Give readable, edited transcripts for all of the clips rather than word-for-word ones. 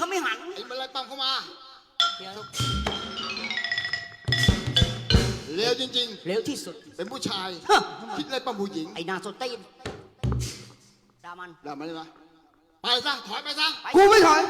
เขาไม่หันไอ้มันไล่ปั๊มเข้ามาเดี๋ยวเร็วจริงเร็วที่สุดๆ เป็นผู้ชายฮะคิดไล่ปั๊มผู้หญิงไอ้นาสตีนดามันด่ามันเลยนะไปซะถอยไปซะกูไม่ถอย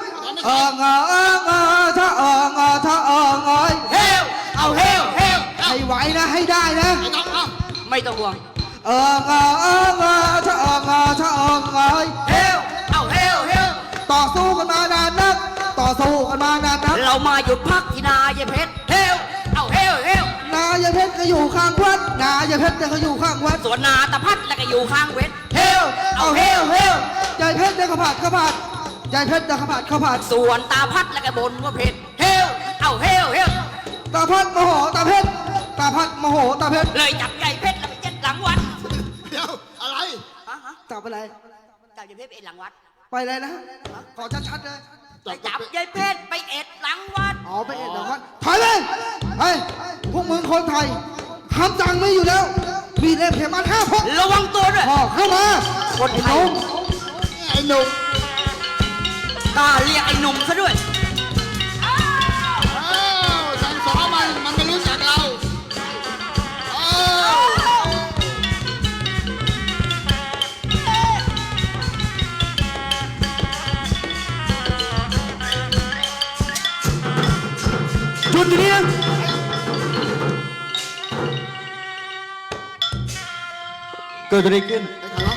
ถ้าเฮ้ยเอาเฮลให้ไหวนะให้ได้นะไอ้น้องเอ้าไม่ต้องห่วงถ้าเฮ้ยเฮลเอาเฮลต่อสู้กันมานานนักเรามาหยุดพักที่นายเพชรเฮลเอาเฮลนายเพชรก็อยู่ข้างวัดนายเพชรก็อยู่ข้างวัดส่วนนาตะพัดแล้วก็อยู่ข้างเวทเฮลยายเพชรได้ข้าวผัดยายเพชรได้ข้าวผัดส่วนตาพัดแล้วก็บนว่าเพชรเฮลเอาเฮลตาพัดโมโหตาเพชรตาพัดโมโหตาเพชรเลยจับใหญ่เพชรแล้วไปเจ็ดหลังวัดเดี๋ยวอะไรฮะจับอะไรจับใหญ่เพชรไปเอ็ดหลังวัดไปเลยนะขอชัดๆเลยไปจับใหญ่เพชรไปเอ็ดหลังวัดอ๋อไปเอ็ดเดี๋ยววัดถอยเลยเฮ้ยพวกมึงคนไทยคำสั่งไม่อยู่แล้วมีเล่มเข็มมา5 พกระวังตัวด้วยพ่อเข้ามาคนไทยไอ้หนุ่มกล้าเรียกไอ้หนุ่มซะด้วยอ้าวสั่งสอนมันไม่รู้จักเราอ้าวหยุดอยู่นี่นะเกิดอะไรขึ้นไอ้ขาล้อ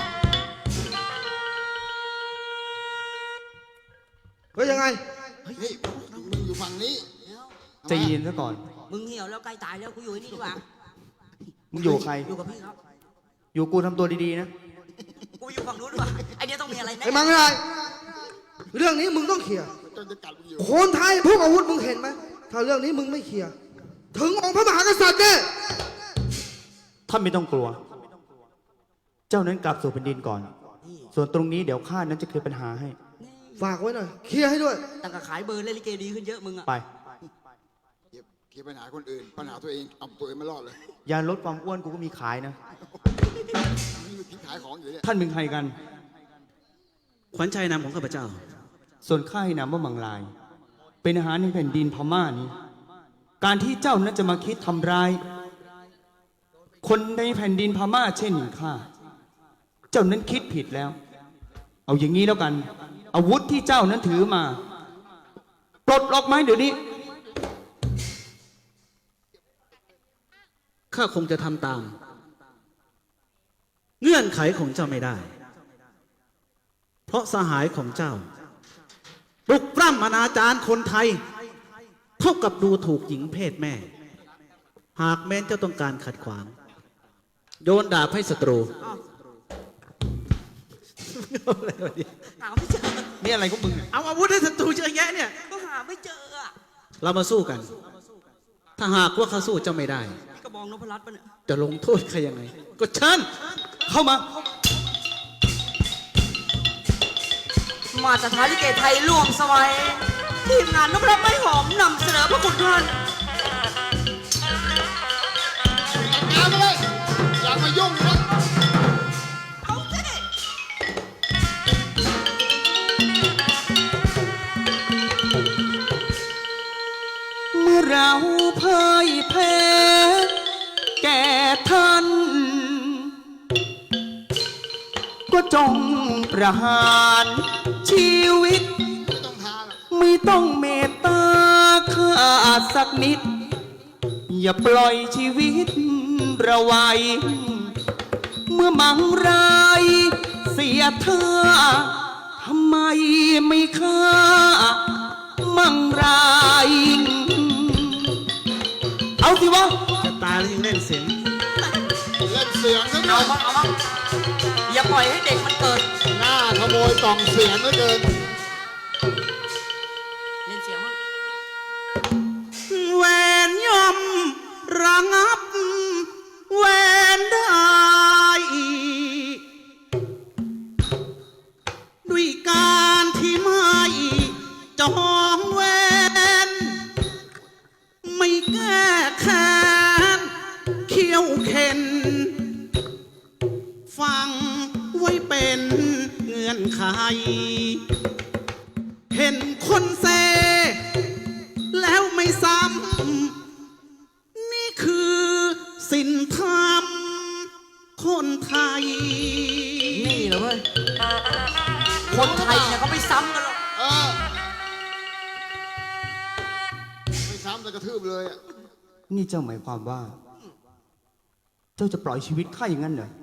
เฮ้ยยังไงเฮ้ยมึงอยู่ฝั่งนี้ใจเย็นซะก่อนมึงเหี่ยวแล้วใกล้ตายแล้วกูอยู่ที่นี่ดีกว่ามึงอยู่กับใครอยู่กับพี่ครับอยู่กูทำตัวดีๆนะกูอยู่ฝั่งนู้นดีกว่าไอเนี้ยต้องมีอะไรแน่ไอ้มังอะไรเรื่องนี้มึงต้องเคลียร์จนจะกัดมึงอยู่คนไทยพวกอาวุธมึงเห็นไหมถ้าเรื่องนี้มึงไม่เคลียร์ถึงองค์พระมหากษัตริย์เนี่ยท่านไม่ต้องกลัว เจ้านั้นกลับสู่แผ่นดินก่อน ส่วนตรงนี้เดี๋ยวข้านั้นจะเคลียร์ปัญหาให้ฝากไว้หน่อยเคลียร์ให้ด้วยตั้งแต่ขายเบอร์เล่นลิเกดีขึ้นเยอะมึงอะไปเคลียร์ปัญหาคนอื่น ปัญหาตัวเองเอาตัวเองไม่รอดเลยยาลดความอ้วนกูก็มีขายนะนี่มันทิ้งขายของอยู่เนี่ยท่านเป็นใครกันขวัญชัยนามของข้าพเจ้าส่วนข้าให้นามว่ามังลาย เป็นอาหารในแผ่นดินพม่านี้ การที่เจ้านั้นจะมาคิดทำร้าย คนในแผ่นดินพม่าเช่นข้า เจ้านั้นคิดผิดแล้ว เอาอย่างนี้แล้วกัน อาวุธที่เจ้านั้นถือมา ปลดล็อกไหมเดี๋ยวนี้ข้าคงจะทำตาม เงื่อนไขของเจ้าไม่ได้ เพราะสหายของเจ้าปลุกปล้ำอนาจารคนไทย เท่ากับดูถูกหญิงเพศแม่ หากแม้นเจ้าต้องการขัดขวาง โยนดาบให้ศัตรูหาไม่เจอนี่อะไรของมึงเนี่ยเอาอาวุธให้ศัตรูเยอะแยะเนี่ยก็หาไม่เจออะเรามาสู้กัน ถ้าหากว่าเขาสู้เจ้าไม่ได้นี่กระบองนพรัตน์ปะเนี่ยจะลงโทษใครยังไง ก็เชิญเข้ามามาสถานลิเกไทยร่วมสมัยทีมงานนพรัตน์ไม่หอมนำเสนอพระคุณท่านตามมาเลยอย่ามายุ่งนะเอาสิเมื่อเราพ่ายแพ้แก่ท่าน ก็จงประหารชีวิตไม่ต้องทาหรอกไม่ต้องเมตตาข้าสักนิด อย่าปล่อยชีวิตระไว้เมื่อมังรายเสียท่าทำไมไม่ฆ่ามังรายเอาสิวะจะตายแล้วยังเล่นเสียงเล่นเสียงซะหน่เอาอยบ้างเอาบ้างอย่าปล่อยให้เด็กมันเกิดหน้าขโมยกล่องเสียงเหลือเกินเล่นเสียงมั้งแหวนย่อมระงับแหวนได้ด้วยการที่ไม่จองแหวนไม่แก้แค้นเขี้ยวเข็นฟังไว้เป็นเงื่อนไข เห็นคคนเซ แล้วไม่ซ้ำนี่คือศีลธรรมคนไทยนี่เหรอเว้ย คนไทยเนี่ยเขาไม่ซ้ำกันหรอกเออไม่ซ้ำแต่กระทืบเลยอ่ะนี่เจ้าหมายความว่า เจ้าจะปล่อยชีวิตข้าอย่างนั้นเหรอ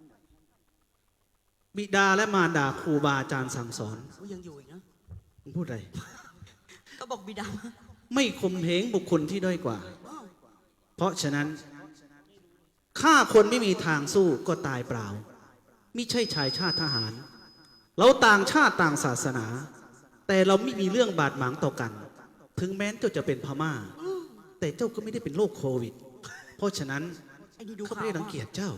บิดาและมารดาครูบาอาจารย์สั่งสอนกูยังอยู่อีกนะมึงพูดอะไรก็บอกบิดาไม่ข่มเหงบุคคลที่ด้อยกว่า เพราะฉะนั้นฆ่าคนไม่มีทางสู้ก็ตายเปล่ามิใช่ชายชาติทหาร เราต่างชาติต่างศาสนา แต่เราไม่มีเรื่องบาดหมางต่อกัน ถึงแม้เจ้าจะเป็นพม่า แต่เจ้าก็ไม่ได้เป็นโรคโควิด เพราะฉะนั้นไอ้นี่ดูเขาข่าวไม่ได้รังเกียจเจ้า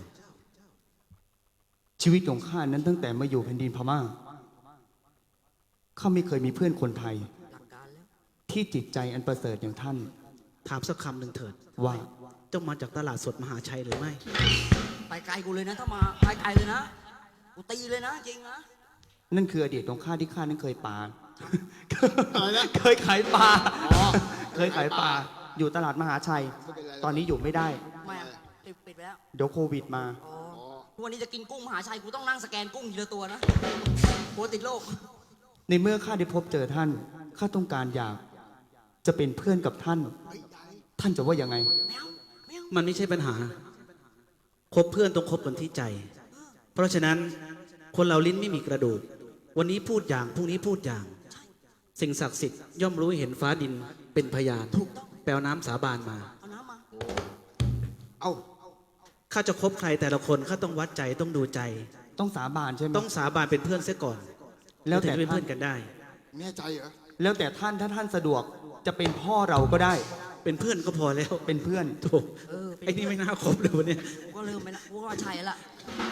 ชีวิตของข้านั้นตั้งแต่มาอยู่แผ่นดินพม่า ข้าไม่เคยมีเพื่อนคนไทยหลักการแล้วที่จิตใจอันประเสริฐอย่างท่านถามสักคำหนึ่งเถิดว่าเจ้ามาจากตลาดสดมหาชัยหรือไม่ไปไกลกูเลยนะ ถ้ามาไปไกลเลยนะ กูตีเลยนะจริงนะนั่นคืออดีตของข้าที่ข้านั้นเคยปาอะไรนะเคยขายปลาอ๋อเคยขายปลา อยู่ตลาดมหาชัยไม่เป็นไรตอนนี้อยู่ไม่ได้ไม่อะปิดไปแล้วเดี๋ยวโควิดมาอ๋อทุกวันนี้จะกินกุ้งมหาชัยกูต้องนั่งสแกนกุ้งทีละตัวนะกลัวติดโรคในเมื่อข้าได้พบเจอท่าน ข้าต้องการอยากจะเป็นเพื่อนกับท่าน ท่านจะว่ายังไงแมวแมวมันไม่ใช่ปัญหา คบเพื่อนต้องคบกันที่ใจ เพราะฉะนั้นคนเราลิ้นไม่มีกระดูก วันนี้พูดอย่าง พรุ่งนี้พูดอย่าง สิ่งศักดิ์สิทธิ์ย่อมรู้เห็นฟ้าดินเป็นพยานถูกต้องแปลน้ำสาบานมาเอาน้ำมาเอาข้าจะคบใครแต่ละคนข้าต้องวัดใจต้องดูใจต้องสาบานใช่ไหมต้องสาบานเป็นเพื่อนเสียก่อนแล้วถึงแต่จะเป็นท่าเพื่อน นกันได้แน่ใจเหรอแล้วแต่ท่านถ้าท่านสะดวกจะเป็นพ่อเราก็ได้เป็นเพื่อนก็พอแล้วเป็นเพื่อนถูกเออเป็นไอ้นี่ไม่น่าคบเลยวันนี้กูก็เริ่มไปละกูก็ว่าใช่ละ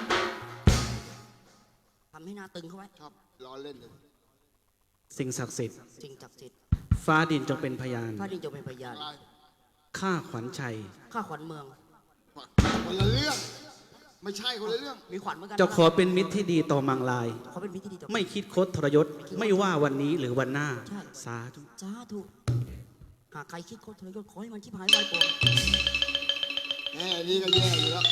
ทำให้หน้าตึงเข้าไว้ครับล้อเล่นเลยสิ่งศักดิ์สิทธิ์จริงจับจิตฟ้าดินจงเป็นพยานพระดินจะเป็นพยานอะไรข้าขวัญชัยข้าขวัญเมืองคนละเรื่อง ไม่ใช่คนละเรื่องมีขวัญเหมือนกันจะขอเป็นมิตรที่ดีต่อมังลายเขาเป็นมิตรที่ดีต่อไม่คิดคดทรยศ ไม่ว่าวันนี้หรือวันหน้าใช่สาธุจ้าถูกหากใครคิดโคตรทรยศขอให้มันชิบหายไวก่อนแน่นี่ก็แย่อยู่แล้ว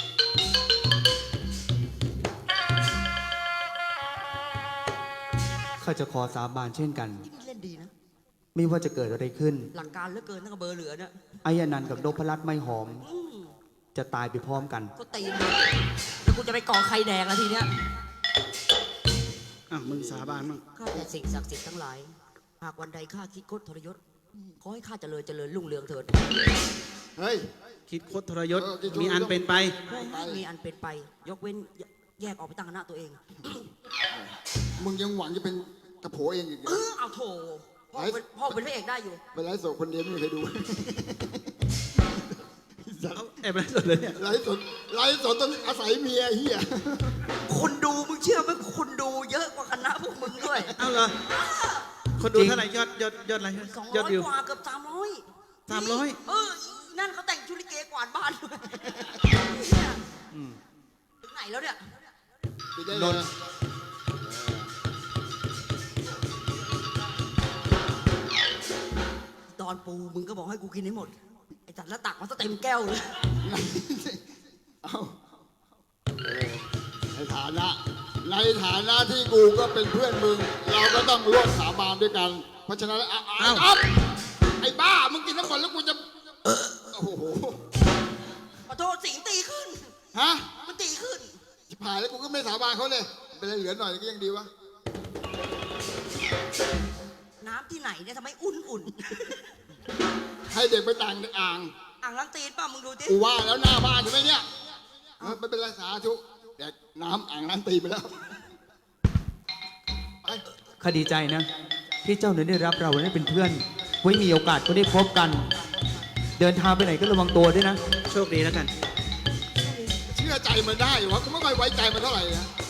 ข้าจะขอสาบานเช่นกันที่นี่เล่นดีนะไม่ว่าจะเกิดอะไรขึ้นหลักการเหลือเกินตั้งแต่เบอร์เหลือเนี่ยไอ้อนันต์กับนพรัตน์ไม่หอมอืมจะตายไปพร้อมกันก็ตีนเลยแล้วกูจะไปก่อใครแดงแล้วทีเนี้ยอ่ะมึงสาบานมั่งข้าแต่สิ่งศักดิ์สิทธิ์ทั้งหลาย หากวันใดข้าคิดโคตรทรยศ ขอให้ข้าเจริญเจริญรุ่งเรืองเถิดเฮ้ยคิดคดทรยศเออคิดคดทรยศมีอันเป็นไปขอให้มีอันเป็นไป ยกเว้นแยกออกไปตั้งคณะตัวเองมึงยังหวังจะเป็นกระโผเองอีกเหรอเอาโถพ่อเป็นพระเอกได้อยู่ไปไลฟ์สดคนเดียวไม่มีใครดูเอาแอบไปสุดเลยเนี่ยไลฟ์สดต้องอาศัยเมียเฮียคนดูมึงเชื่อไหมคนดูเยอะกว่าคณะพวกมึงด้วยเอาเหรอ คนดูเท่าไหร่ยอดอะไร ยอดวิว 200 กว่าเกือบ300 300 เออนั่นเขาแต่งชุดลิเกกวาดบ้านด้วยเนี่ยถึงไหนแล้วเนี่ยไปได้เลยตอนปูมึงก็บอกให้กูกินให้หมด ไอ้จัดแล้วตักมาซะเต็มแก้วเลยเอาในฐานะที่กูก็เป็นเพื่อนมึง เราก็ต้องร่วมสาบานด้วยกัน เพราะฉะนั้นเอาไอ้บ้า มึงกินทั้งหมดแล้วกูจะโอ้โหขอโทษสิงตีขึ้นฮะมันตีขึ้นชิบหายแล้วกูก็ไม่สาบานเขาเลย เป็นไรเหลือหน่อยก็ยังดีวะน้ำที่ไหนเนี่ยทำไมอุ่นให้เด็กไปต่างอ่างๆ อ่างล้างตีนป่ะมึงดูดิกูว่าแล้วหน้าบ้านใช่ไหมเนี่ยไม่เป็นไรสาธุเด็กน้ำอ่างน้ำตีไปแล้ว ไปข้าดีใจนะ ที่เจ้าเนี่ยได้รับเราได้เป็นเพื่อน ไว้มีโอกาสก็ได้พบกัน เดินทางไปไหนก็ระวังตัวด้วยนะโชคดีแล้วกันเชื่อใจมันได้วะกูไม่ค่อยไว้ใจมันเท่าไหร่นะ